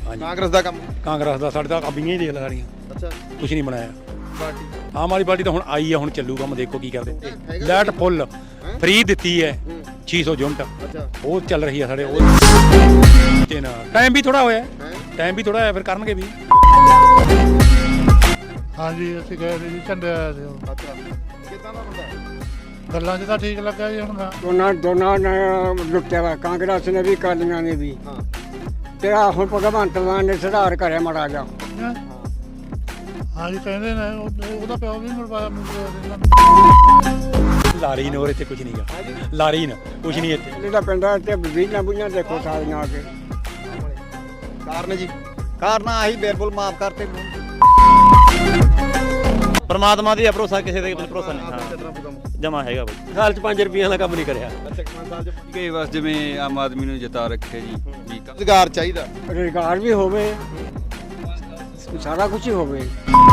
ਹਾਂਜੀ ਕਾਂਗਰਸ ਦਾ ਕੰਮ ਕਾਂਗਰਸ ਦਾ ਸਾਡੇ ਤਾਂ ਅਬੀਆਂ ਹੀ ਦੇਖ ਲੈ ਸਾਰੀਆਂ ਅੱਛਾ ਕੁਛ ਨਹੀਂ ਬਣਾਇਆ। ਪਾਰਟੀ ਆਮ ਆਦਮੀ ਪਾਰਟੀ ਤਾਂ ਹੁਣ ਆਈ ਆ, ਹੁਣ ਚੱਲੂ ਕੰਮ, ਦੇਖੋ ਕੀ ਕਰਦੇ। ਲਾਈਟ ਫੁੱਲ ਫ੍ਰੀ ਦਿੱਤੀ ਹੈ 600 ਯੂਨਿਟ, ਅੱਛਾ ਉਹ ਚੱਲ ਰਹੀ ਆ ਸਾਡੇ। ਉਹ ਤੇ ਨਾ ਟਾਈਮ ਵੀ ਥੋੜਾ ਹੋਇਆ, ਟਾਈਮ ਵੀ ਥੋੜਾ ਹੋਇਆ, ਫਿਰ ਕਰਨਗੇ ਵੀ। ਹਾਂਜੀ ਅਸੀਂ ਗਏ ਸੀ ਜੀ, ਝੰਡੇ ਆਏ ਸੀ ਉਹ। ਅੱਛਾ ਕਿੱਦਾਂ ਦਾ ਬੰਦਾ ਹੈ? ਗੱਲਾਂ 'ਚ ਤਾਂ ਠੀਕ ਲੱਗਾ ਜੀ ਹੁਣ। ਦੋਨਾਂ ਨੇ ਲੁੱਟਿਆ ਵਾ, ਕਾਂਗਰਸ ਨੇ ਵੀ ਕਾਲੀਆਂ ਨੇ ਵੀ। ਹਾਂ ਤੇ ਆ ਹੁਣ ਭਗਵੰਤ ਮਾਨ ਨੇ ਸੁਧਾਰ ਕਰਿਆ ਮਾੜਾ ਜਾ। ਹਾਂਜੀ ਕਹਿੰਦੇ ਨੇ ਉਹਦਾ ਪਿਓ ਵੀ ਮਰਵਾਇਆ ਮੁੰਡੇ। ਲਾਰੀ ਨੇ ਹੋਰ ਇੱਥੇ ਕੁਝ ਨਹੀਂਗਾ, ਲਾਰੀ ਨੇ ਕੁਝ ਨਹੀਂ ਇੱਥੇ। ਇਹਦਾ ਪਿੰਡ ਤੇ ਬੀਜਾਂ ਬੁਈਆਂ ਦੇਖੋ ਸਾਰੀਆਂ ਆ ਕੇ। ਕਾਰਨ ਜੀ ਕਾਰਨ ਆਹੀ ਬਿਲਕੁਲ ਮਾਫ ਕਰਤੇ। ਪਰਮਾਤਮਾ ਦੀ ਭਰੋਸਾ, ਕਿਸੇ ਦੇ ਭਰੋਸਾ ਨਹੀਂ। ਹਾਂ ਜਮਾ ਹੈਗਾ ਬਈ, ਸਾਲ ਚ 5 ਰੁਪਈਆਂ ਦਾ ਕੰਮ ਨਹੀਂ ਕਰਿਆ। ਕਿ ਬਸ ਜਿਵੇਂ ਆਮ ਆਦਮੀ ਨੂੰ ਜਿਤਾ ਰੱਖਿਆ ਜੀ। ਰੁਜ਼ਗਾਰ ਚਾਹੀਦਾ, ਰੁਜ਼ਗਾਰ ਵੀ ਹੋਵੇ, ਸਾਰਾ ਕੁਝ ਹੀ ਹੋਵੇ।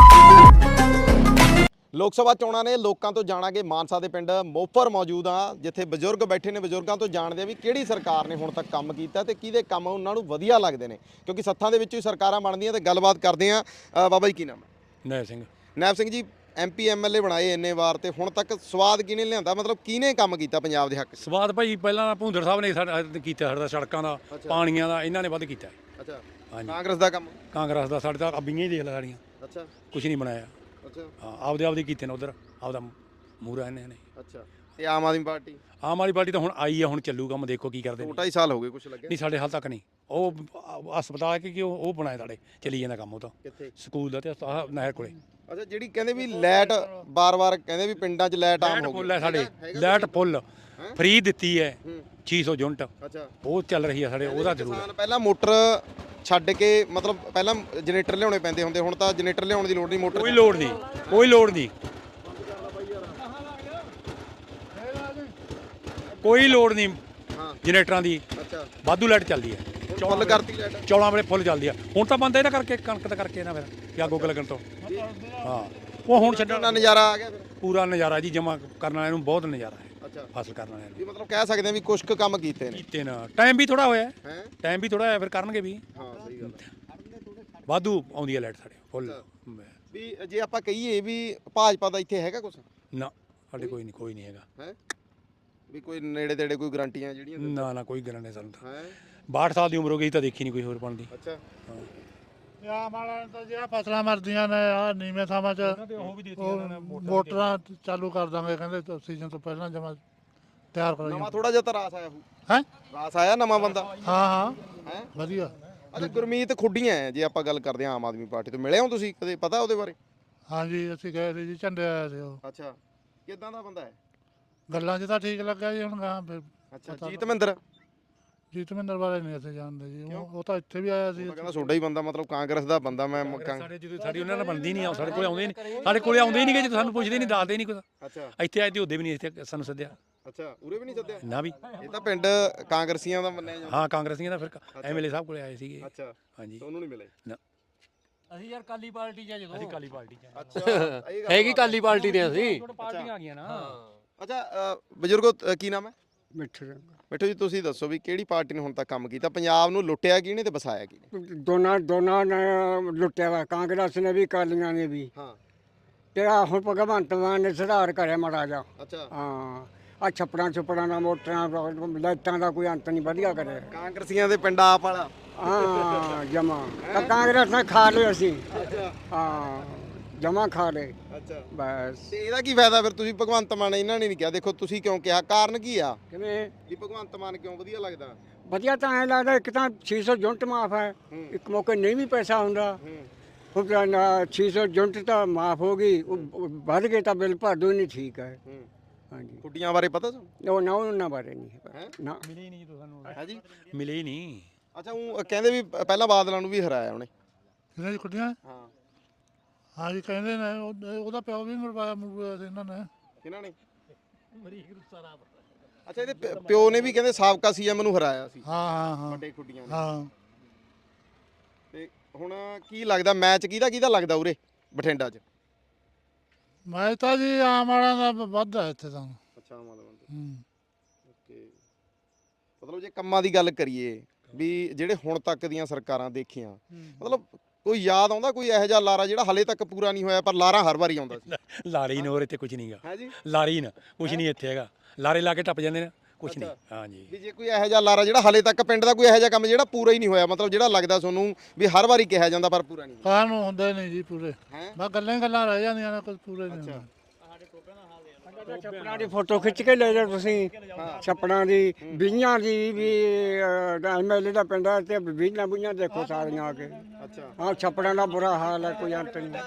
ਲੋਕ ਸਭਾ ਚੋਣਾਂ ਨੇ, ਲੋਕਾਂ ਤੋਂ ਜਾਣਾਂਗੇ। ਮਾਨਸਾ ਦੇ ਪਿੰਡ ਮੋਫਰ ਮੌਜੂਦ ਆ, ਜਿੱਥੇ ਬਜ਼ੁਰਗ ਬੈਠੇ ਨੇ। ਬਜ਼ੁਰਗਾਂ ਤੋਂ ਜਾਣਦੇ ਆ ਵੀ ਕਿਹੜੀ ਸਰਕਾਰ ਨੇ ਹੁਣ ਤੱਕ ਕੰਮ ਕੀਤਾ ਤੇ ਕਿਹਦੇ ਕੰਮ ਉਹਨਾਂ ਨੂੰ ਵਧੀਆ ਲੱਗਦੇ ਨੇ, ਕਿਉਂਕਿ ਸੱਥਾਂ ਦੇ ਵਿੱਚੋਂ ਹੀ ਸਰਕਾਰਾਂ ਬਣਦੀਆਂ। ਤੇ ਗੱਲਬਾਤ ਕਰਦੇ ਆ। ਬਾਬਾ ਜੀ ਕੀ ਨਾਮ ਹੈ? ਨੈ ਸਿੰਘ ਨੈਬ ਸਿੰਘ ਜੀ, MP MLA ਬਣਾਏ ਇੰਨੇ ਵਾਰ, ਤੇ ਹੁਣ ਤੱਕ ਸਵਾਦ ਕਿਹਨੇ ਲਿਆਂਦਾ? ਮਤਲਬ ਕਿਹਨੇ ਕੰਮ ਕੀਤਾ ਪੰਜਾਬ ਦੇ ਹੱਕ 'ਚ? ਸਵਾਦ ਭਾਈ ਪਹਿਲਾਂ ਭੁੰਦਰ ਸਾਹਿਬ ਨੇ ਸਾਡਾ ਕੀਤਾ, ਸਾਡਾ ਸੜਕਾਂ ਦਾ, ਪਾਣੀਆਂ ਦਾ, ਇਹਨਾਂ ਨੇ ਵੱਧ ਕੀਤਾ। ਅੱਛਾ ਹਾਂਜੀ ਕਾਂਗਰਸ ਦਾ ਕੰਮ? ਕਾਂਗਰਸ ਦਾ ਸਾਡੇ ਤਾਂ ਅਬੀਆਂ ਹੀ ਦੇਖ ਲੈ ਸਾਰੀਆਂ, ਅੱਛਾ ਕੁਛ ਨਹੀਂ ਬਣਾਇਆ। ਅੱਛਾ ਹਾਂ ਆਪਦੇ ਕੀਤੇ ਨੇ, ਉਧਰ ਆਪਦਾ ਮੂਹਰਾ ਇਹਨਾਂ ਨੇ। ਅੱਛਾ ਤੇ ਆਮ ਆਦਮੀ ਪਾਰਟੀ? ਆਮ ਆਦਮੀ ਪਾਰਟੀ ਤਾਂ ਹੁਣ ਆਈ ਆ, ਹੁਣ ਚੱਲੂ ਕੰਮ, ਦੇਖੋ ਕੀ ਕਰਦੇ ਨੇ। 2.5 ਸਾਲ ਹੋ ਗਏ, ਕੁਛ ਲੱਗਿਆ ਨਹੀਂ ਸਾਡੇ ਹਾਲ ਤੱਕ ਨਹੀਂ। ਉਹ ਹਸਪਤਾਲ ਕਿ ਉਹ ਬਣਾਏ ਸਾਡੇ, ਚੱਲੀ ਜਾਂਦਾ ਕੰਮ। ਉਹ ਤਾਂ ਕਿੱਥੇ? ਸਕੂਲ ਦਾ ਤੇ ਨਹਿਰ ਕੋਲੇ। ਅੱਛਾ ਜਿਹੜੀ ਕਹਿੰਦੇ ਵੀ ਲਾਈਟ ਬਾਰ-ਬਾਰ ਕਹਿੰਦੇ ਵੀ ਪਿੰਡਾਂ 'ਚ ਲਾਈਟ ਆਮ ਹੋ ਫੁੱਲ ਹੈ ਗਈ। ਸਾਡੇ, ਲਾਈਟ ਫੁੱਲ ਫ੍ਰੀ ਦਿੱਤੀ ਹੈ 600 ਯੂਨਿਟ, ਅੱਛਾ ਉਹ ਚੱਲ ਰਹੀ ਆ ਸਾਡੇ। ਉਹਦਾ ਜ਼ਰੂਰ ਕਿਸਾਨ ਪਹਿਲਾਂ ਮੋਟਰ ਛੱਡ ਕੇ, ਮਤਲਬ ਪਹਿਲਾਂ ਜਨਰੇਟਰ ਲਿਆਉਣੇ ਪੈਂਦੇ ਹੁੰਦੇ, ਹੁਣ ਤਾਂ ਜਨਰੇਟਰ ਲਿਆਉਣ ਦੀ ਲੋੜ ਨਹੀਂ। ਮੋਟਰ ਕੋਈ ਲੋੜ ਨਹੀਂ, ਕੋਈ ਲੋੜ ਨਹੀਂ, ਕੋਈ ਲੋੜ ਨਹੀਂ ਹਾਂ ਜਨਰੇਟਰਾਂ ਦੀ। ਅੱਛਾ ਵਾਧੂ ਲਾਈਟ ਚੱਲਦੀ ਹੈ, ਫੁੱਲ ਕਰਤੀ ਲਾਈਟ? ਚੌਲਾਂ ਵੇਲੇ ਫੁੱਲ ਚੱਲਦੀ ਆ। ਹੁਣ ਤਾਂ ਬੰਦ ਇਹਨਾਂ ਕਰਕੇ, ਕਣਕ ਦਾ ਕਰਕੇ ਨਾ, ਫਿਰ ਜਾਂ ਗੋਗ ਲੱਗਣ ਤੋਂ। ਹਾਂ ਉਹ ਹੁਣ ਛੱਡਣ ਦਾ ਨਜ਼ਾਰਾ ਆ ਗਿਆ ਫਿਰ? ਪੂਰਾ ਨਜ਼ਾਰਾ ਜੀ, ਜਮਾ ਕਰਨ ਵਾਲਿਆਂ ਨੂੰ ਬਹੁਤ ਨਜ਼ਾਰਾ ਹੈ, ਅੱਛਾ ਫਸਲ ਕਰਨ ਵਾਲਿਆਂ ਨੂੰ। ਵੀ ਮਤਲਬ ਕਹਿ ਸਕਦੇ ਆ ਵੀ ਕੁਛ ਕੁ ਕੰਮ ਕੀਤੇ ਨੇ। ਕੀਤੇ ਨਾ, ਟਾਈਮ ਵੀ ਥੋੜਾ ਹੋਇਆ, ਹੈ ਟਾਈਮ ਵੀ ਥੋੜਾ ਹੋਇਆ, ਫਿਰ ਕਰਨਗੇ ਵੀ। ਹਾਂ ਸਹੀ ਗੱਲ ਵਾਧੂ ਆਉਂਦੀ ਹੈ ਲਾਈਟ ਸਾਡੇ ਫੁੱਲ। ਵੀ ਜੇ ਆਪਾਂ ਕਹੀਏ ਵੀ ਭਾਜਪਾ ਦਾ ਇੱਥੇ ਹੈਗਾ ਕੁਛ? ਨਾ ਸਾਡੇ ਕੋਈ ਨਹੀਂ ਹੈਗਾ। ਹੈ ਵੀ ਕੋਈ ਨੇੜੇ ਤੇੜੇ ਕੋਈ ਗਰੰਟੀਆਂ ਜਿਹੜੀਆਂ? ਨਾ ਕੋਈ ਗਰੰਟੀ ਨਹੀਂ ਸਾਨੂੰ ਤਾਂ। ਹੈ 62 ਸਾਲ ਦੀ ਉਮਰ ਹੋ ਗਈ ਤਾਂ ਦੇਖੀ ਨਹੀਂ ਕੋਈ ਹੋਰ ਬਣਦੀ। ਅੱਛਾ ਆਮ ਵਾਲਿਆਂ ਨੇ ਤਾਂ ਜਿਹੜਾ ਫਸਲਾਂ ਮਰਦੀਆਂ ਨੇ ਆ ਨੀਵੇਂ ਥਾਵਾਂ 'ਚ ਮੋਟਰਾਂ ਚਾਲੂ ਕਰ ਦਾਂਗੇ, ਕਹਿੰਦੇ ਸੀਜ਼ਨ ਤੋਂ ਪਹਿਲਾਂ ਜਮਾ ਤਿਆਰ ਕਰਾਈ। ਨਵਾਂ ਥੋੜਾ ਜਿਹਾ ਤਾਂ ਰਾਸ ਆਇਆ ਹੋਊ। ਹੈ ਰਾਸ ਆਇਆ ਨਵਾਂ ਬੰਦਾ? ਹਾਂ ਹੈ ਵਧੀਆ। ਅੱਛਾ ਗੁਰਮੀਤ ਖੁੱਡੀਆਂ ਹੈ, ਜੇ ਆਪਾਂ ਗੱਲ ਕਰਦੇ ਹਾਂ ਆਮ ਆਦਮੀ ਪਾਰਟੀ ਤੋਂ, ਮਿਲੇ ਹੋ ਤੁਸੀਂ ਕਦੇ? ਪਤਾ ਉਹਦੇ ਬਾਰੇ? ਹਾਂਜੀ ਅਸੀਂ ਗਏ ਸੀ ਜੀ, ਝੰਡੇ ਆਏ ਸੀ ਉਹ। ਅੱਛਾ ਕਿੱਦਾਂ ਦਾ ਬੰਦਾ ਹੈ? ਗੱਲਾਂ 'ਚ ਤਾਂ ਠੀਕ ਲੱਗਾ ਜੀ ਹੁਣ। ਫਿਰ ਅੱਛਾ ਜੀਤ ਮਹਿੰਦਰ? ਜੀਤ ਮਹਿੰਦਰ ਬਾਰੇ ਨਹੀਂ ਅਸੀਂ ਜਾਣਦੇ ਜੀ। ਉਹ ਤਾਂ ਇੱਥੇ ਵੀ ਆਇਆ ਸੀ। ਕਹਿੰਦਾ ਤੁਹਾਡਾ ਹੀ ਬੰਦਾ, ਮਤਲਬ ਕਾਂਗਰਸ ਦਾ ਬੰਦਾ। ਮੈਂ ਸਾਡੇ ਜਦੋਂ ਸਾਡੀ ਉਹਨਾਂ ਨਾਲ ਬਣਦੀ ਨਹੀਂ ਆ, ਸਾਡੇ ਕੋਲ ਆਉਂਦੇ ਨਹੀਂ, ਸਾਡੇ ਕੋਲੇ ਆਉਂਦੇ ਹੀ ਨਹੀਂ, ਜਦੋਂ ਸਾਨੂੰ ਪੁੱਛਦੇ ਨਹੀਂ, ਦੱਸਦੇ ਨਹੀਂ ਕੁਝ। ਅੱਛਾ ਇੱਥੇ ਆਏ ਤੇ ਉਹਦੇ ਵੀ ਨਹੀਂ ਇੱਥੇ ਸਾਨੂੰ ਸੱਦਿਆ ਅੱਛਾ ਉਰੇ ਵੀ ਨਹੀਂ ਸੱਦਿਆ ਨਾ ਵੀ। ਇਹ ਤਾਂ ਪਿੰਡ ਕਾਂਗਰਸੀਆਂ ਦਾ ਮੰਨਿਆ ਜਾਂਦਾ। ਹਾਂ ਕਾਂਗਰਸੀਆਂ ਦਾ, ਫਿਰ MLA ਸਾਹਿਬ ਕੋਲੇ ਆਏ ਸੀਗੇ। ਅੱਛਾ ਹਾਂਜੀ ਉਹਨੂੰ ਨਹੀਂ ਮਿਲੇ? ਨਾ ਅਸੀਂ ਯਾਰ ਕਾਲੀ ਪਾਰਟੀ ਚ ਜਦੋਂ ਅਸੀਂ ਕਾਲੀ ਪਾਰਟੀ ਚ ਅੱਛਾ ਹੈਗੀ ਕਾਲੀ ਪਾਰਟੀ ਦੇ ਅਸੀਂ ਪਾਰਟੀਆਂ ਆ ਗਈਆਂ ਨਾ। ਅੱਛਾ ਬਜ਼ੁਰਗੋ ਕੀ ਨਾਮ ਹੈ? ਮਿੱਠੂ ਮਿੱਠੂ ਜੀ ਤੁਸੀਂ ਦੱਸੋ ਵੀ ਕਿਹੜੀ ਪਾਰਟੀ ਨੇ ਹੁਣ ਤੱਕ ਕੰਮ ਕੀਤਾ? ਪੰਜਾਬ ਨੂੰ ਲੁੱਟਿਆ ਕਿਹਨੇ ਤੇ ਵਸਾਇਆ ਕਿਹਨੇ? ਦੋਨਾਂ ਨੇ ਲੁੱਟਿਆ ਵਾ, ਕਾਂਗਰਸ ਨੇ ਵੀ ਕਾਲੀਆਂ ਨੇ ਵੀ। ਹਾਂ ਤੇ ਆ ਹੁਣ ਭਗਵੰਤ ਮਾਨ ਨੇ ਸੁਧਾਰ ਕਰਿਆ ਮਾੜਾ ਜਾ। ਅੱਛਾ ਹਾਂ ਆ ਛੱਪੜਾਂ ਦਾ, ਮੋਟਰਾਂ, ਲਾਈਟਾਂ ਦਾ ਕੋਈ ਅੰਤ ਨਹੀਂ, ਵਧੀਆ ਕਰਿਆ। ਕਾਂਗਰਸੀਆਂ ਦੇ ਪਿੰਡ ਆਪ ਵਾਲਾ? ਹਾਂ ਜਮਾ ਕਾਂਗਰਸ ਨੇ ਖਾ ਲਏ ਅਸੀਂ। ਅੱਛਾ ਹਾਂ ਜਮਾ ਖਾ ਲਏ ਅੱਛਾ ਬਸ। ਤੇ ਇਹਦਾ ਕੀ ਫਾਇਦਾ ਫਿਰ? ਤੁਸੀਂ ਭਗਵੰਤ ਮਾਨ, ਇਹਨਾਂ ਨੇ ਨਹੀਂ ਕਿਹਾ, ਦੇਖੋ ਤੁਸੀਂ ਕਿਉਂ ਕਿਹਾ? ਕਾਰਨ ਕੀ ਆ ਕਿਵੇਂ ਵੀ ਭਗਵੰਤ ਮਾਨ ਕਿਉਂ ਵਧੀਆ ਲੱਗਦਾ? ਵਧੀਆ ਤਾਂ ਐਂ ਲੱਗਦਾ, ਇੱਕ ਤਾਂ 600 ਯੂਨਿਟ ਮਾਫ ਹੈ, ਇੱਕ ਮੌਕੇ ਨਹੀਂ ਵੀ ਪੈਸਾ ਹੁੰਦਾ। ਹੁਣ 600 ਯੂਨਿਟ ਤਾਂ ਮਾਫ ਹੋ ਗਈ, ਉਹ ਵੱਧ ਗਏ ਤਾਂ ਬਿੱਲ ਭਰ ਦੋ, ਨਹੀਂ ਠੀਕ ਹੈ। ਹਾਂਜੀ ਖੁੱਡੀਆਂ ਬਾਰੇ ਪਤਾ ਤੁਹਾਨੂੰ? ਉਹ ਨਾ ਉਹਨਾਂ ਬਾਰੇ ਨਹੀਂ ਹੈ? ਨਾ। ਮਿਲੇ ਹੀ ਨਹੀਂ ਜਦੋਂ ਸਾਨੂੰ, ਹੈ ਜੀ ਮਿਲੇ ਹੀ ਨਹੀਂ। ਅੱਛਾ ਉਹ ਕਹਿੰਦੇ ਵੀ ਪਹਿਲਾਂ ਬਾਦਲਾਂ ਨੂੰ ਵੀ ਹਰਾਇਆ ਉਹਨੇ। ਇਹਨਾਂ ਦੀ ਕੁੜੀਆਂ ਹਾਂ ਹਾਂਜੀ ਕਹਿੰਦੇ ਨੇ ਉਹਦਾ ਪਿਓ ਵੀ ਮਰਵਾਇਆ ਸੀ ਇਹਨਾਂ ਨੇ। ਕਿਹਨਾਂ ਨੇ? ਅੱਛਾ ਇਹਦੇ ਪਿਓ ਨੇ ਵੀ ਕਹਿੰਦੇ ਸਾਬਕਾ CM ਨੂੰ ਹਰਾਇਆ ਸੀ ਹਾਂ ਵੱਡੇ ਖੁੱਡੀਆਂ ਨੇ। ਹਾਂ ਤੇ ਹੁਣ ਕੀ ਲੱਗਦਾ ਮੈਚ ਕਿਹਦਾ ਲੱਗਦਾ ਉਰੇ ਬਠਿੰਡਾ 'ਚ? ਮੈਂ ਤਾਂ ਜੀ ਆਮ ਵਾਲਿਆਂ ਦਾ ਵੱਧ ਹੈ ਇੱਥੇ ਤਾਂ। ਅੱਛਾ ਮਾਲਵੰਦ ਹੂੰ ਓਕੇ। ਮਤਲਬ ਜੇ ਕੰਮਾਂ ਦੀ ਗੱਲ ਕਰੀਏ ਵੀ ਜਿਹੜੇ ਹੁਣ ਤੱਕ ਦੀਆਂ ਸਰਕਾਰਾਂ ਦੇਖੀਆਂ ਮਤਲਬ ਕੋਈ ਯਾਦ ਆਉਂਦਾ ਕੋਈ ਇਹੋ ਜਿਹਾ ਲਾਰਾ ਜਿਹੜਾ ਹਲੇ ਤੱਕ ਪੂਰਾ ਨਹੀਂ ਹੋਇਆ ਪਰ ਲਾਰਾ ਹਰ ਵਾਰੀ ਆਉਂਦਾ ਸੀ? ਲਾਰੀ ਨੂੰ ਹੋਰ ਇੱਥੇ ਕੁਝ ਨਹੀਂਗਾ। ਹੈ ਜੀ ਲਾਰੀ ਨਾ ਕੁਝ ਨਹੀਂ ਇੱਥੇ ਹੈਗਾ। ਲਾਰੇ ਲਾ ਕੇ ਟੱਪ ਜਾਂਦੇ ਨੇ, ਕੁਝ ਨਹੀਂ। ਹਾਂਜੀ ਵੀ ਜੇ ਕੋਈ ਇਹੋ ਜਿਹਾ ਲਾਰਾ ਜਿਹੜਾ ਹਲੇ ਤੱਕ ਪਿੰਡ ਦਾ ਕੋਈ ਇਹੋ ਜਿਹਾ ਕੰਮ ਜਿਹੜਾ ਪੂਰਾ ਹੀ ਨਹੀਂ ਹੋਇਆ ਮਤਲਬ ਜਿਹੜਾ ਲੱਗਦਾ ਤੁਹਾਨੂੰ ਵੀ ਹਰ ਵਾਰੀ ਕਿਹਾ ਜਾਂਦਾ ਪਰ ਪੂਰਾ ਨਹੀਂ ਕਾਹ ਨੂੰ ਹੁੰਦੇ ਨਹੀਂ ਜੀ ਪੂਰੇ, ਹੈ ਬਸ ਗੱਲਾਂ ਹੀ ਗੱਲਾਂ ਰਹਿ ਜਾਂਦੀਆਂ ਨੇ, ਕੁਝ ਪੂਰੇ ਨਹੀਂ ਹੁੰਦੇ। ਛੱਪੜਾਂ ਦੀ ਫੋਟੋ ਖਿੱਚ ਕੇ ਲੈ ਜਾਓ ਤੁਸੀਂ, ਛੱਪੜਾਂ ਦੀ ਬੀਆਂ ਦੀ ਵੀ ਐਮਐਲਏ ਦਾ ਪਿੰਡ ਹੈ ਤੇ ਬੀਆਂ ਬੁਈਆਂ ਦੇਖੋ ਸਾਰੀਆਂ ਆ ਕੇ। ਅੱਛਾ ਹਾਂ ਛੱਪੜਾਂ ਦਾ ਬੁਰਾ ਹਾਲ ਹੈ, ਕੋਈ ਅੰਤ ਨਹੀਂ।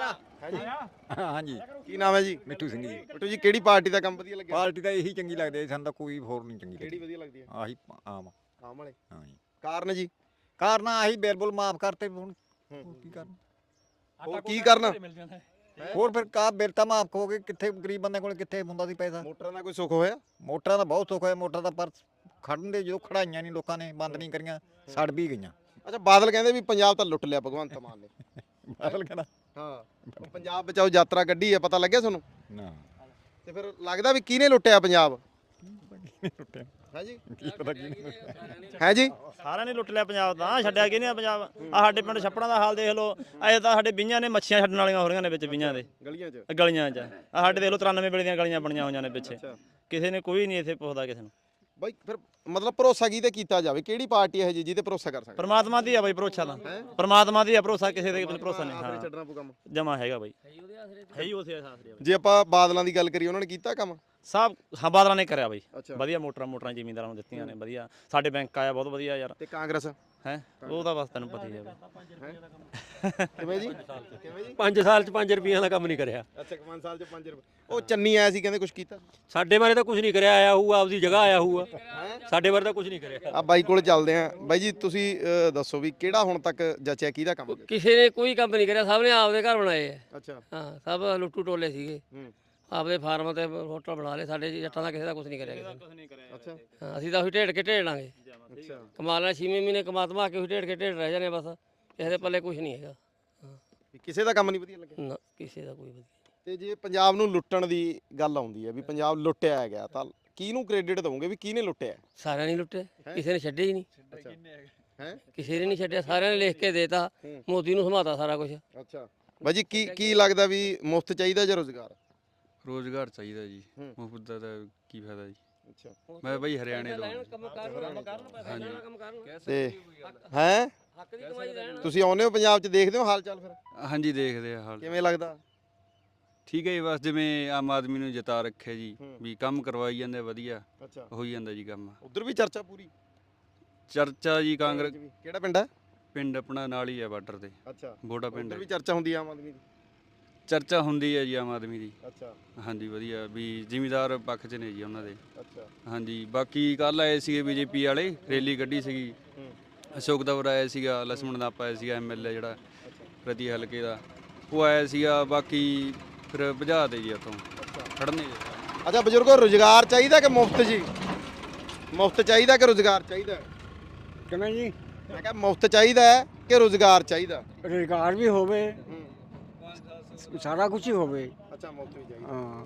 ਹਾਂਜੀ ਕੀ ਨਾਮ ਹੈ ਜੀ? ਮਿੱਠੂ ਸਿੰਘ ਜੀ। ਬਿੱਟੂ ਜੀ ਕਿਹੜੀ ਪਾਰਟੀ ਦਾ ਕੰਮ ਵਧੀਆ ਲੱਗਿਆ? ਪਾਰਟੀ ਤਾਂ ਇਹੀ ਚੰਗੀ ਲੱਗਦੀ ਹੈ, ਸਾਨੂੰ ਤਾਂ ਕੋਈ ਹੋਰ ਨਹੀਂ ਚੰਗੀ ਕਿਹੜੀ ਲੱਗਦੀ। ਵਧੀਆ ਲੱਗਦੀ ਹੈ? ਆਹੀ ਆਮ ਆਮ ਵਾਲੇ ਹਾਂਜੀ। ਕਾਰਨ ਜੀ ਕਾਰਨ ਆਹੀ ਬਿਲਕੁਲ ਮਾਫ ਕਰਤੇ ਹੁਣ ਹੋਰ ਕੀ ਕਰਨ। ਹੋਰ ਕੀ ਕਰਨਾ? ਹੋਰ ਫਿਰ ਕਾ ਬਿੱਲ ਤਾਂ ਮਾਫ ਹੋ ਗਏ, ਕਿੱਥੇ ਗਰੀਬ ਬੰਦੇ ਕੋਲ ਕਿੱਥੇ ਹੁੰਦਾ ਸੀ ਪੈਸਾ। ਮੋਟਰਾਂ ਦਾ ਕੋਈ ਸੁੱਖ ਹੋਇਆ? ਮੋਟਰਾਂ ਦਾ ਬਹੁਤ ਸੁੱਖ ਹੋਇਆ, ਮੋਟਰਾਂ ਦਾ ਪਰ ਖੜਨ ਦੇ ਜਦੋਂ ਖੜਾਈਆਂ ਨਹੀਂ ਲੋਕਾਂ ਨੇ, ਬੰਦ ਨਹੀਂ ਕਰੀਆਂ, ਸੜ ਵੀ ਗਈਆਂ। ਅੱਛਾ ਬਾਦਲ ਕਹਿੰਦੇ ਵੀ ਪੰਜਾਬ ਤਾਂ ਲੁੱਟ ਲਿਆ ਭਗਵੰਤ ਮਾਨ ਨੇ। ਬਾਦਲ ਕਹਿੰਦਾ ਹਾਂ ਉਹ ਪੰਜਾਬ ਬਚਾਓ ਯਾਤਰਾ ਕੱਢੀ ਹੈ, ਪਤਾ ਲੱਗਿਆ ਤੁਹਾਨੂੰ? ਨਾ ਤੇ ਫਿਰ ਲੱਗਦਾ ਵੀ ਕਿਹਨੇ ਲੁੱਟਿਆ ਪੰਜਾਬ? ਲੁੱਟਿਆ ਹੈ ਜੀ ਕੀ ਪਤਾ ਕੀ ਨਹੀਂ। ਹੈ ਜੀ ਸਾਰਿਆਂ ਨੇ ਲੁੱਟ ਲਿਆ ਪੰਜਾਬ ਤਾਂ, ਛੱਡਿਆ ਕਿਹਨੇ ਆ ਪੰਜਾਬ? ਆ ਸਾਡੇ ਪਿੰਡ ਛੱਪੜਾਂ ਦਾ ਹਾਲ ਦੇਖ ਲਓ, ਅਜੇ ਤਾਂ ਸਾਡੇ ਬੀਆਂ ਨੇ ਮੱਛੀਆਂ ਛੱਡਣ ਵਾਲੀਆਂ ਹੋ ਰਹੀਆਂ ਨੇ ਵਿੱਚ ਬੀਆਂ ਦੇ ਗਲੀਆਂ 'ਚ। ਗਲੀਆਂ 'ਚ। ਆ ਸਾਡੇ ਦੇਖ ਲਓ 93 ਵੇਲੇ ਦੀਆਂ ਗਲੀਆਂ ਬਣੀਆਂ ਹੋਈਆਂ ਨੇ ਪਿੱਛੇ, ਕਿਸੇ ਨੇ ਕੋਈ ਨਹੀਂ ਇੱਥੇ ਪੁੱਛਦਾ ਕਿਸੇ ਨੂੰ। ਬਾਈ ਫਿਰ ਮਤਲਬ ਭਰੋਸਾ ਕਿਹਦੇ ਕੀਤਾ ਜਾਵੇ? ਕਿਹੜੀ ਪਾਰਟੀ ਹੈ ਜੀ ਜਿਹਦੇ ਭਰੋਸਾ ਕਰ ਸਕਦਾ? ਪਰਮਾਤਮਾ ਦੀ ਆ ਬਾਈ ਭਰੋਸਾ ਤਾਂ, ਪਰਮਾਤਮਾ ਦੀ ਆ ਭਰੋਸਾ, ਕਿਸੇ ਦੇ ਭਰੋਸਾ ਨਹੀਂ। ਹਾਂ ਛੱਡਣਾ ਪਊ ਕੰਮ। ਜਮਾ ਹੈਗਾ ਬਾਈ, ਹੈ ਹੀ ਉਸੇ ਆਸਰੇ। ਜੇ ਆਪਾਂ ਬਾਦਲਾਂ ਦੀ ਗੱਲ ਕਰੀਏ ਉਹਨਾਂ ਨੇ ਕੀਤਾ ਕੰਮ? ਸਭ ਬਾਦਲਾਂ ਨੇ ਕਰਿਆ ਬਾਈ, ਅੱਛਾ। ਵਧੀਆ ਮੋਟਰਾਂ ਜ਼ਿਮੀਂਦਾਰਾਂ ਨੂੰ ਦਿੱਤੀਆਂ ਨੇ, ਵਧੀਆ ਸਾਡੇ ਬੈਂਕ ਆਇਆ ਬਹੁਤ ਵਧੀਆ ਯਾਰ। ਤੇ ਕਾਂਗਰਸ ਹੈ ਉਹ ਤਾਂ ਬਸ ਤੈਨੂੰ ਪਤਾ ਹੀ ਹੈ। ਕਿਵੇਂ ਜੀ? ਕਿਵੇਂ ਜੀ? 5 ਸਾਲ ਚ 5 ਰੁਪਈਆਂ ਦਾ ਕੰਮ ਨਹੀਂ ਕਰਿਆ। ਅੱਛਾ 5 ਸਾਲ 'ਚ 5 ਰੁਪਏ। ਉਹ ਚੰਨੀ ਆਇਆ ਸੀ ਕਹਿੰਦੇ ਕੁਝ ਕੀਤਾ? ਸਾਡੇ ਬਾਰੇ ਤਾਂ ਕੁਝ ਨਹੀਂ ਕਰਿਆ, ਆਇਆ ਹੋਊਗਾ ਆਪਦੀ ਜਗ੍ਹਾ ਆਇਆ ਹੋਊਗਾ, ਸਾਡੇ ਬਾਰੇ ਤਾਂ ਕੁਝ ਨਹੀਂ ਕਰਿਆ। ਆ ਬਾਈ ਕੋਲ ਚੱਲਦੇ ਆ। ਬਾਈ ਜੀ ਤੁਸੀਂ ਦੱਸੋ ਵੀ ਕਿਹੜਾ ਹੁਣ ਤੱਕ ਜਚਿਆ ਕਿਹਦਾ ਕੰਮ? ਕਿਸੇ ਨੇ ਕੋਈ ਕੰਮ ਨਹੀਂ ਕਰਿਆ, ਸਭ ਨੇ ਆਪਦੇ ਘਰ ਬਣਾਏ ਆ। ਅੱਛਾ ਹਾਂ ਸਭ ਲੁੱਟੂ ਟੋਲੇ ਸੀਗੇ, ਹੂੰ ਆਪਦੇ ਫਾਰਮ ਤੇ ਹੋਟਲ ਬਣਾ ਲਏ। ਸਾਡੇ ਜੱਟਾਂ ਦਾ ਕਿਸੇ ਦਾ ਕੁਝ ਨਹੀਂ ਕਰਿਆ ਕਿਸੇ ਨੇ। ਅੱਛਾ ਹਾਂ, ਅਸੀਂ ਤਾਂ ਉਹੀ ਢੇੜ ਕੇ ਢੇੜ ਲਾਂਗੇ, ਅੱਛਾ ਕਮਾ ਲੈਣਾ 6 ਮਹੀਨੇ ਕਮਾਤਮਾ ਕੇ ਉਹੀ ਢੇੜ ਕੇ ਢੇੜ ਰਹਿ ਜਾਣੇ ਬਸ, ਕਿਸੇ ਦੇ ਪੱਲੇ ਕੁਝ ਨਹੀਂ ਹੈਗਾ। ਕਿਸੇ ਦਾ ਕੰਮ ਨਹੀਂ ਵਧੀਆ ਲੱਗਿਆ? ਨਾ ਕਿਸੇ ਦਾ ਕੋਈ ਵਧੀਆ। ਤੇ ਜੇ ਪੰਜਾਬ ਨੂੰ ਲੁੱਟਣ ਦੀ ਗੱਲ ਆਉਂਦੀ ਹੈ ਵੀ ਪੰਜਾਬ ਲੁੱਟਿਆ ਗਿਆ ਤਾਂ ਕਿਹਨੂੰ ਕ੍ਰੈਡਿਟ ਦਵੋਗੇ ਵੀ ਕਿਹਨੇ ਲੁੱਟਿਆ? ਸਾਰਿਆਂ ਨੇ ਲੁੱਟੇ, ਕਿਸੇ ਨੇ ਛੱਡੇ ਹੀ ਨਹੀਂ। ਹੈ ਕਿਸੇ ਨੇ ਨਹੀਂ ਛੱਡਿਆ, ਸਾਰਿਆਂ ਨੇ ਲਿਖ ਕੇ ਦੇਤਾ, ਮੋਦੀ ਨੂੰ ਸਮਾਤਾ ਸਾਰਾ ਕੁਝ। ਅੱਛਾ ਬਾਈ ਜੀ ਕੀ ਲੱਗਦਾ ਵੀ ਮੁਫਤ ਚਾਹੀਦਾ ਜਾਂ ਰੋਜ਼ਗਾਰ? ਰੋਜ਼ਗਾਰ ਚਾਹੀਦਾ ਜੀ, ਹੂੰ। ਮੁਫਤ ਦਾ ਤਾਂ ਕੀ ਫਾਇਦਾ ਜੀ। ਅੱਛਾ ਮੈਂ ਬਈ ਹਰਿਆਣੇ ਤੋਂ ਕੰਮ ਕਰਨ ਕੰਮ ਕਰਨ ਤੇ ਹੈ ਹੱਕ ਦੀ ਕਮਾਈ ਲੈਣ। ਤੁਸੀਂ ਆਉਂਦੇ ਹੋ ਪੰਜਾਬ 'ਚ ਦੇਖਦੇ ਹੋ ਹਾਲ ਚਾਲ ਫਿਰ ਹਾਂਜੀ ਦੇਖਦੇ ਆ ਹਾਲ। ਕਿਵੇਂ ਲੱਗਦਾ? ਠੀਕ ਹੈ ਜੀ, ਬਸ ਜਿਵੇਂ ਆਮ ਆਦਮੀ ਨੂੰ ਜਿਤਾ ਰੱਖਿਆ ਜੀ, ਹੂੰ। ਵੀ ਕੰਮ ਕਰਵਾਈ ਜਾਂਦੇ ਵਧੀਆ, ਅੱਛਾ ਹੋਈ ਜਾਂਦਾ ਜੀ ਕੰਮ। ਉਧਰ ਵੀ ਚਰਚਾ ਪੂਰੀ? ਚਰਚਾ ਜੀ ਕਾਂਗਰਸ ਕਿਹੜਾ ਪਿੰਡ ਹੈ? ਪਿੰਡ ਆਪਣਾ ਨਾਲ ਹੀ ਹੈ ਬਾਰਡਰ ਤੇ, ਅੱਛਾ ਬੋੜਾ ਪਿੰਡ ਉਧਰ ਹੈ। ਵੀ ਚਰਚਾ ਹੁੰਦੀ ਆ ਆਮ ਆਦਮੀ ਦੀ? ਚਰਚਾ ਹੁੰਦੀ ਹੈ ਜੀ ਆਮ ਆਦਮੀ ਦੀ। ਅੱਛਾ ਹਾਂਜੀ ਵਧੀਆ, ਵੀ ਜ਼ਿਮੀਦਾਰ ਪੱਖ 'ਚ ਨੇ ਜੀ ਉਹਨਾਂ ਦੇ। ਅੱਛਾ ਹਾਂਜੀ ਬਾਕੀ ਕੱਲ ਆਏ ਸੀਗੇ ਬੀਜੇਪੀ ਵਾਲੇ, ਰੈਲੀ ਕੱਢੀ ਸੀਗੀ। ਹੂੰ ਅਸ਼ੋਕ ਦਵਰ ਆਇਆ ਸੀਗਾ, ਲਛਮਣ ਦਾਪਾ ਆਇਆ ਸੀਗਾ ਐਮਐਲਏ ਜਿਹੜਾ ਪ੍ਰਤੀ ਹਲਕੇ ਦਾ, ਉਹ ਆਇਆ ਸੀਗਾ। ਬਾਕੀ ਫਿਰ ਭਜਾ ਦੇ ਜੀ ਉੱਥੋਂ ਖੜਨੇ ਜੀ। ਅੱਛਾ ਬਜ਼ੁਰਗੋ ਰੋਜ਼ਗਾਰ ਚਾਹੀਦਾ ਕਿ ਮੁਫਤ ਜੀ? ਮੁਫਤ ਚਾਹੀਦਾ ਕਿ ਰੋਜ਼ਗਾਰ ਚਾਹੀਦਾ? ਕਿਵੇਂ ਜੀ? ਮੈਂ ਕਿਹਾ ਮੁਫਤ ਚਾਹੀਦਾ ਹੈ ਕਿ ਰੋਜ਼ਗਾਰ ਚਾਹੀਦਾ? ਰੁਜ਼ਗਾਰ ਵੀ ਹੋਵੇ, ਸਾਰਾ ਕੁਝ ਹੀ ਹੋਵੇ। ਅੱਛਾ ਮੁਫਤ ਵੀ ਚਾਹੀਦਾ। ਹਾਂ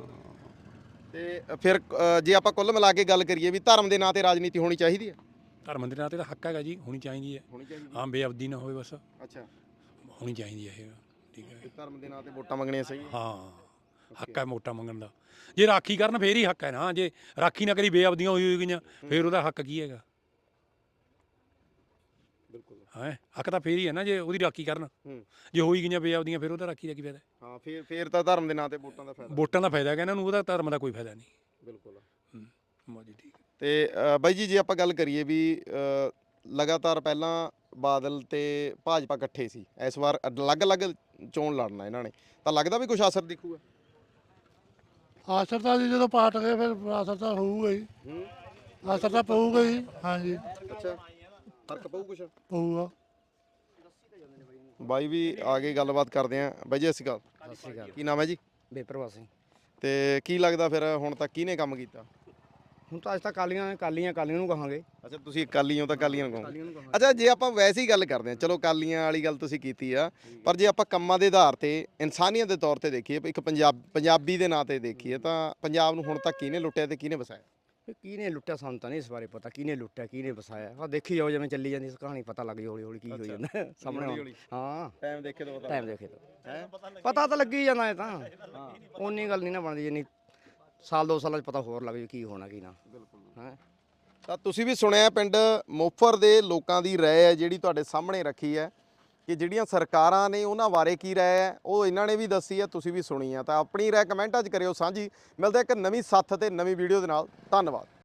ਤੇ ਫਿਰ ਜੇ ਆਪਾਂ ਕੁੱਲ ਮਿਲਾ ਕੇ ਗੱਲ ਕਰੀਏ ਵੀ ਧਰਮ ਦੇ ਨਾਂ ਤੇ ਰਾਜਨੀਤੀ ਹੋਣੀ ਚਾਹੀਦੀ ਹੈ? ਧਰਮ ਦੇ ਨਾਂ ਤੇ ਤਾਂ ਹੱਕ ਹੈਗਾ ਜੀ, ਹੋਣੀ ਚਾਹੀਦੀ ਹੈ। ਹੋਣੀ ਚਾਹੀਦੀ ਹਾਂ ਬੇਅਬਦੀ ਨਾ ਹੋਵੇ ਬਸ, ਅੱਛਾ ਹੋਣੀ ਚਾਹੀਦੀ ਹੈ ਇਹ। ਠੀਕ ਹੈ ਧਰਮ ਦੇ ਨਾਂ ਤੇ ਵੋਟਾਂ ਮੰਗਣੀਆਂ ਸਹੀ ਹੈ? ਹਾਂ ਹੱਕ ਹੈ ਵੋਟਾਂ ਮੰਗਣ ਦਾ। ਜੇ ਰਾਖੀ ਕਰਨ ਫੇਰ ਹੀ ਹੱਕ ਹੈ ਨਾ, ਜੇ ਰਾਖੀ ਨਾ ਕਰੀ ਬੇਅਬਦੀਆਂ ਹੋਈ ਗਈਆਂ ਫੇਰ ਉਹਦਾ ਹੱਕ ਕੀ ਹੈਗਾ? ਬਿਲਕੁਲ ਹੈ ਹੱਕ ਤਾਂ ਫੇਰ ਹੀ ਹੈ ਨਾ ਜੇ ਉਹਦੀ ਰਾਖੀ ਕਰਨ। ਜੇ ਹੋਈ ਗਈਆਂ ਬੇਅਬਦੀਆਂ ਫਿਰ ਉਹਦਾ ਰਾਖੀ ਦਾ ਕੀ ਫਾਇਦਾ? ਹਾਂ ਫਿਰ ਤਾਂ ਧਰਮ ਦੇ ਨਾਂ ਤੇ ਵੋਟਾਂ ਦਾ ਫਾਇਦਾ। ਵੋਟਾਂ ਦਾ ਫਾਇਦਾ ਹੈਗਾ ਇਹਨਾਂ ਨੂੰ, ਉਹਦਾ ਧਰਮ ਦਾ ਕੋਈ ਫਾਇਦਾ ਨਹੀਂ। ਬਿਲਕੁਲ ਮੋਦੀ ਠੀਕ। ਤੇ ਬਾਈ ਜੀ ਜੇ ਆਪਾਂ ਗੱਲ ਕਰੀਏ ਵੀ ਲਗਾਤਾਰ ਪਹਿਲਾਂ ਬਾਦਲ ਤੇ ਭਾਜਪਾ ਇਕੱਠੇ ਸੀ, ਇਸ ਵਾਰ ਅਲੱਗ-ਅਲੱਗ ਚੋਣ ਲੜਨਾ ਇਹਨਾਂ ਨੇ, ਤਾਂ ਲੱਗਦਾ ਵੀ ਕੁਝ ਅਸਰ ਦਿਖੂਗਾ? ਆਸਰ ਤਾਂ ਜੀ ਜਦੋਂ ਪਾਟ ਗਏ ਫਿਰ ਆਸਰ ਤਾਂ ਹੋਊਗਾ ਹੀ, ਆਸਰ ਤਾਂ ਪਊਗਾ ਹੀ। ਹਾਂਜੀ ਅੱਛਾ ਫਰਕ ਪਊ ਕੁਛ? ਪਊਗਾ। ਬਾਈ ਵੀ ਆ ਕੇ ਗੱਲਬਾਤ ਕਰਦੇ ਆ। ਬਾਈ ਜੀ ਸਤਿ ਸ਼੍ਰੀ ਅਕਾਲ। ਕੀ ਨਾਮ ਹੈ ਜੀ? ਬੇਪਰਵਾਹ ਸਿੰਘ। ਤੇ ਕੀ ਲੱਗਦਾ ਫਿਰ ਹੁਣ ਤੱਕ ਕਿਹਨੇ ਕੰਮ ਕੀਤਾ? ਹੁਣ ਤਾਂ ਅੱਜ ਤੱਕ ਕਾਲੀਆਂ ਨੂੰ ਕਹਾਂਗੇ। ਅੱਛਾ ਤੁਸੀਂ ਅਕਾਲੀਆਂ ਤਾਂ ਅਕਾਲੀਆਂ ਨੂੰ ਕਹੋਗੇ। ਅੱਛਾ ਜੇ ਆਪਾਂ ਵੈਸੇ ਹੀ ਗੱਲ ਕਰਦੇ ਹਾਂ, ਚਲੋ ਅਕਾਲੀਆਂ ਵਾਲੀ ਗੱਲ ਤੁਸੀਂ ਕੀਤੀ ਆ, ਪਰ ਜੇ ਆਪਾਂ ਕੰਮਾਂ ਦੇ ਆਧਾਰ ਤੇ ਇਨਸਾਨੀਅਤ ਦੇ ਤੌਰ ਤੇ ਦੇਖੀਏ, ਇੱਕ ਪੰਜਾਬੀ ਦੇ ਨਾਂ ਤੇ ਦੇਖੀਏ, ਤਾਂ ਪੰਜਾਬ ਨੂੰ ਹੁਣ ਤੱਕ ਕਿਹਨੇ ਲੁੱਟਿਆ ਤੇ ਕਿਹਨੇ ਵਸਾਇਆ? ਕਿਹਨੇ ਲੁੱਟਿਆ ਸਾਨੂੰ ਤਾਂ ਨਹੀਂ ਇਸ ਬਾਰੇ ਪਤਾ, ਕਿਹਨੇ ਲੁੱਟਿਆ ਕਿਹਨੇ ਵਸਾਇਆ। ਆ ਦੇਖੀ ਜਾਓ ਜਿਵੇਂ ਚੱਲੀ ਜਾਂਦੀ ਕਹਾਣੀ, ਪਤਾ ਲੱਗ ਜਾਊ ਹੌਲੀ ਹੌਲੀ ਕੀ ਹੋਈ ਜਾਂਦਾ ਸਾਹਮਣੇ ਹੌਲੀ-ਹੌਲੀ। ਹਾਂ ਟਾਈਮ ਦੇਖੇ ਤੋਂ ਟਾਈਮ ਦੇਖੇ ਤਾਂ ਹੈ ਪਤਾ ਤਾਂ ਲੱਗੀ ਜਾਂਦਾ ਇਹ ਤਾਂ। ਉਨੀ ਗੱਲ ਨਹੀਂ ਨਾ ਬਣਦੀ ਜਿੰਨੀ ਸਾਲ 2 ਸਾਲਾਂ 'ਚ ਪਤਾ ਹੋਰ ਲੱਗ ਜੂ ਕੀ ਹੋਣਾ ਕੀ ਨਾ। ਹੈ ਤਾਂ ਤੁਸੀਂ ਵੀ ਸੁਣਿਆ ਪਿੰਡ ਮੋਫਰ ਦੇ ਲੋਕਾਂ ਦੀ ਰਾਏ ਹੈ ਜਿਹੜੀ ਤੁਹਾਡੇ ਸਾਹਮਣੇ ਰੱਖੀ ਹੈ ਕਿ ਜਿਹੜੀਆਂ ਸਰਕਾਰਾਂ ਨੇ ਉਹਨਾਂ ਬਾਰੇ ਕੀ ਰਾਏ ਹੈ ਉਹ ਇਹਨਾਂ ਨੇ ਵੀ ਦੱਸੀ ਹੈ, ਤੁਸੀਂ ਵੀ ਸੁਣੀ ਹੈ। ਤਾਂ ਆਪਣੀ ਰਾਏ ਕਮੈਂਟਾਂ 'ਚ ਕਰਿਓ ਸਾਂਝੀ। ਮਿਲਦੇ ਇੱਕ ਨਵੀਂ ਸੱਥ ਤੇ ਨਵੀਂ ਵੀਡੀਓ ਦੇ ਨਾਲ। ਧੰਨਵਾਦ।